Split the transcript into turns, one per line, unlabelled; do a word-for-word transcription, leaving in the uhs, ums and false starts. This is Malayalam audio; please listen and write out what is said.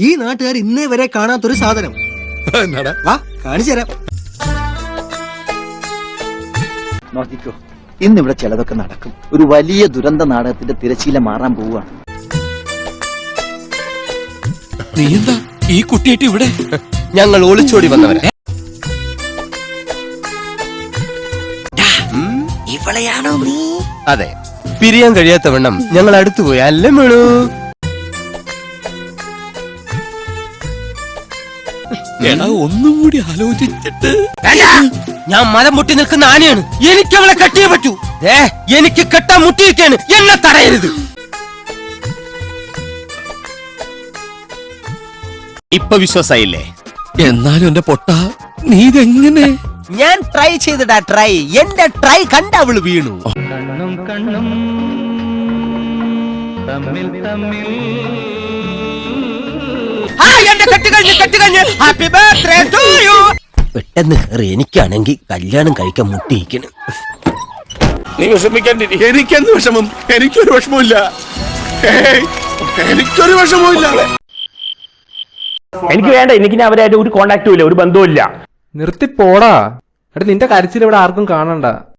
ഈ നാട്ടുകാർ ഇന്നേ വരെ കാണാത്തൊരു സാധനം. വാ കാണിച്ചു തരാം.
നോക്കിക്കോ, ഇന്നിവിടെ ചിലതൊക്കെ നടക്കും. ഒരു വലിയ ദുരന്ത നാടകത്തിന്റെ തിരശീല മാറാൻ പോവുകയാണ്.
നീ എന്താ ഈ കുട്ടിയായിട്ട് ഇവിടെ?
ഞങ്ങൾ ഒളിച്ചോടി വന്നവരെ.
ഇവളെയാണോ നീ?
അതെ, പിരിയാൻ കഴിയാത്ത വണ്ണം ഞങ്ങൾ അടുത്തു പോയി. അല്ലേ മേളൂ?
എടാ ഒന്നും കൂടി ആലോചിച്ചിട്ട്.
ഞാൻ മലം മുട്ടി നിൽക്കുന്ന ആനയാണ്. എനിക്ക് അവളെ കെട്ടിയേ പറ്റൂ. ഏ എനിക്ക് കെട്ടാൻ മുട്ടിയിരിക്കാണ്. എന്നെ തടയരുത്. ഇപ്പൊ വിശ്വാസായില്ലേ?
എന്നാലും എന്റെ പൊട്ട, നീ ഇതെങ്ങനെ?
ഞാൻ ട്രൈ ചെയ്തിടാ ട്രൈ. എന്റെ ട്രൈ കണ്ട അവള് വീണു.
കണ്ണും കണ്ണും തമ്മിൽ തമ്മിൽ
പെട്ടെന്ന് കയറി. എനിക്കാണെങ്കിൽ കല്യാണം കഴിക്കാൻ മുട്ടിയിരിക്കണ്.
നീ വിഷമിക്കാണ്ടിരി. എനിക്കെന്ത് വിഷമം? എനിക്കൊരു വിഷമമില്ല. എനിക്കൊരു വിഷമമില്ല.
എനിക്ക് വേണ്ട. എനിക്ക് ഞാൻ അവരായിട്ട് ഒരു കോണ്ടാക്റ്റും ഇല്ല, ഒരു ബന്ധവും ഇല്ല.
നിർത്തി പോടാ. എടാ നിന്റെ കരച്ചിൽ ഇവിടെ ആർക്കും കാണണ്ട.